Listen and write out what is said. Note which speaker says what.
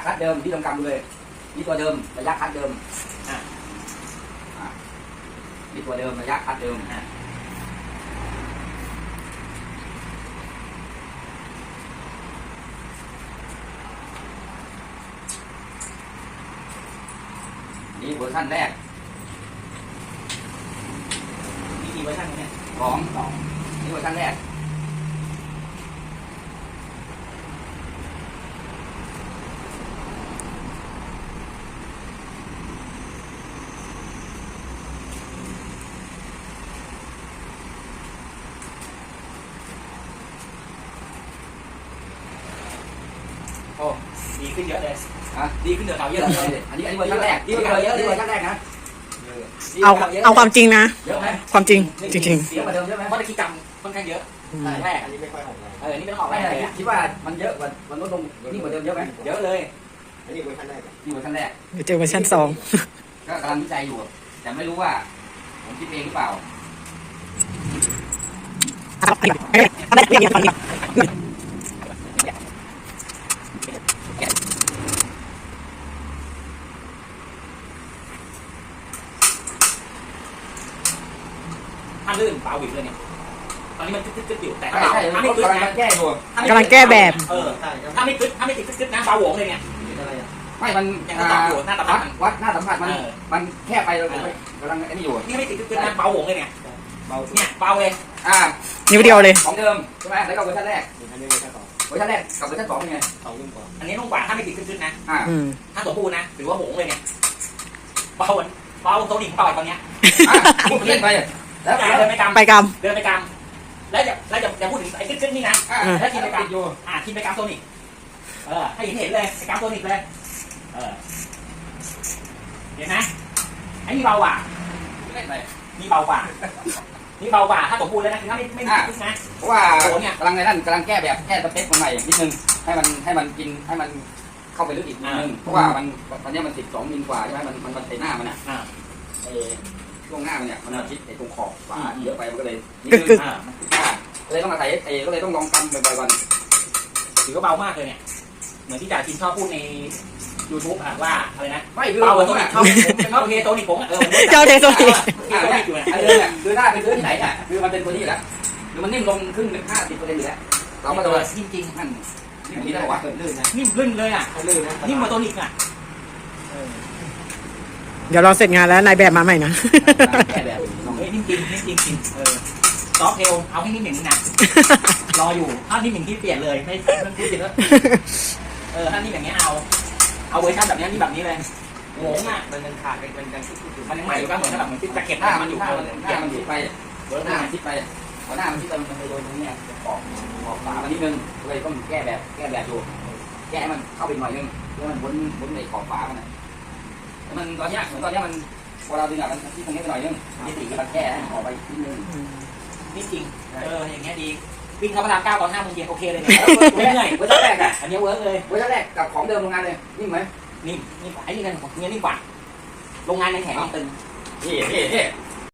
Speaker 1: คัดเดิมที่ลงกำเลยนี่ตัวเดิมระยะคัดเดิมนี่ตัวเดิมระยะคัดเดิมนี่เวอร์ชันแรก
Speaker 2: มีกี่เวอร์ชันเนี่ย
Speaker 1: สองนี่เวอร์ชันแรก
Speaker 2: โอ้ดีขึ้นเยอะเลย
Speaker 1: ดีขึ้นเยอะเลยอันนี้เวอร์ชันแรกดีขึ้นเยอะเวอร์ชันแรกนะ
Speaker 3: เอาความจริงนะ
Speaker 1: เยอะไหม
Speaker 3: ความจริงจริง
Speaker 1: เสียกว่าเดิมใช่ไหม
Speaker 2: เพราะตะกี้กรรมค่อนข้างเยอะแรก
Speaker 4: อันนี้ไม่ค่อยออกเลย
Speaker 2: นี่ไม่ต้องออก
Speaker 1: ไม่
Speaker 2: แรก
Speaker 1: เลย
Speaker 2: เลย
Speaker 1: คิดว่ามันเยอะกว่ามันลดลงนี่กว่าเดิมเยอะไหม
Speaker 2: เยอะเลย
Speaker 4: อันนี้เวอร์ชันแรก
Speaker 1: นี่เวอร์ชันแรก
Speaker 3: ๆเดี๋ยวเจอเวอร์ชัน2
Speaker 1: ก็กำลังวิจัยอยู่แต่ไม่รู้ว่าผมคิดเองหรือเปล่า
Speaker 2: ถ้าลื่นเบาบิดเลยเนี่ยตอนนี้มันกึ๊ดอยู่แต่ถ้า
Speaker 1: ใช่
Speaker 2: ถ้าไม่กึ๊ด
Speaker 1: กำลัง
Speaker 2: นะ
Speaker 1: แก้อยู่
Speaker 3: กำลังแก้แบบ
Speaker 2: ถ้าไม่กึ๊ดถ้าไม่ติดกึ๊ดนะเบาหวงเลยเนี่ย
Speaker 1: ไม่มัน
Speaker 2: ยังต้องอยู่หน้าสัมผัส
Speaker 1: วัดหน้าสัมผัสมันแค่ไปเรากำลังอันนี้อยู่
Speaker 2: นี่ไม่ติดกึ๊ดนะเบาหวงเลยเนี่ยเนี่ยเบาเลย
Speaker 3: นิ้วเดียวเลย
Speaker 1: ของเดิมใช่ไหมแล้วก็เวอร์ชันแรก
Speaker 4: อันนี้เวอร์ชันสอง
Speaker 1: เวอร์ชันแรกกับเวอร์ชัน2เป็นไง
Speaker 4: สองรุ่นกว่า
Speaker 2: อันนี้นุ่มกว่าถ้าไม่ติดกึ๊ดนะ
Speaker 3: อืม
Speaker 2: ถ้าสมบูรณ์นะถือว่าหวงเลยเนี่ยเบาโซนิกเบาตอนเนี้ย
Speaker 1: เล่นไปแล้ว
Speaker 2: เดินไปกำ
Speaker 3: ไปก
Speaker 2: เดินไปกำแล้วจะพูดถึงไอ้กึ๊ดนี่นะแล้วทีมไปกำอยู่ทีมไปกำโซนิกให้เห็นเลยไปกำโซนิกเลยเห็นไหมไอ้นี่เบากว่า
Speaker 1: เล่นไป
Speaker 2: นี่เบากว่านี่เบากว่าถ้าสมบูรณ์แล้วนะคือถ้าไม่กึ๊ดนะ
Speaker 1: เพราะว่ากำลังในนั่นกำลังแก้แบบแก้สเปคมันใหม่นิดนึงให้มันกินให้มันเข้าไปลึกอีกนิดนึงเพราะว่ามันตอนนี้มัน12 มิลกว่าใช่ไหมมันใส่หน้ามันอ่ะช่วงหน้ามันเนี่ยมันชิดไอ้ตรงขอบฝาเยอะไปมันก็เลยนิดนึงเลยต้องมาใส่ก็เลยต้องลองกำบ่อยๆก่อน
Speaker 2: ถือว่าเบามากเลยเนี่ยเหมือนที่จ่าชินชอบพูดใน YouTube ว่าอะไรนะ
Speaker 1: ไม่คือ
Speaker 2: เบากว่าโซนิกชอบเทโซนิกผม
Speaker 3: เจ้าเทโซนิก
Speaker 1: ไอ้เรื่องเนี่ยคือหน้าเป็นเรื่องที่ไหนอ่ะคือมันเป็นตัวนี้แล้วคือมันนิ่มลงครึ่ง50%อยู่แล้วเรามาดู
Speaker 2: จริง
Speaker 1: นั่นนี่มีได้หรอวะ
Speaker 4: ลื่นนะ
Speaker 2: นิ่มลื่นเลยอ่ะ
Speaker 4: ลื่นนะ
Speaker 2: นิ่มกว่าโซนิกอ่ะ
Speaker 3: เดี๋ยวเราเสร็จงานแล้วนายแบบมาใหม่นะ
Speaker 1: แก้แบบ
Speaker 2: นิ่มจริงซอฟเทลเอาให้นิ่มหนึ่งนะรออยู่ถ้านิ่มหนึ่งที่เปลี่ยนเลยไม่ต้องพูดจริงแล้วถ้านิ่มอย่างเงี้ยเอาเวอร์ชันแบบนี้นี่แบบนี้เลยโง่อ่ะมันขาดมันยังใหม่อยู่ก็เหมือนแบบเหมือนที่จะเก็บ
Speaker 1: หน้า
Speaker 2: มั
Speaker 1: มัน น
Speaker 2: อ
Speaker 1: อยู่ ยู่หน้ามันชิดไปหน้ามันชิดไปพอหน้ามันชิดไปมันไปโดนตรงนี้ออกฝามันนิดนึงเลยต้องแก้แบบอยู่แก้มันเข้าไปหน่อยนึงแล้วมันวนในขอบฝามันมันตอนนี้เหมือนตอนนี้มันพอเราดึงอ่ะมันที่ตรงนี้ไปหน่อยนึงนี่ตีมันแก้ให้ออกไปนิดนึง
Speaker 2: นี่จริงอย่างเงี้ยดีวิ่งเข้าพระราม 9 ตอน 5 โมงเย็นโอเคเลยเนี่ยเหนื่อยเวอร์ชันแรกอ่ะอันนี้เวิร์กเลย
Speaker 1: เวอร์ชันแรกกับของเดิมโรงงานเลยนิ่มไหม
Speaker 2: นิ่มไอ้นี่กันของเงี้ยนิ่มกว่าโรงงานในแข็งตึง
Speaker 1: นี่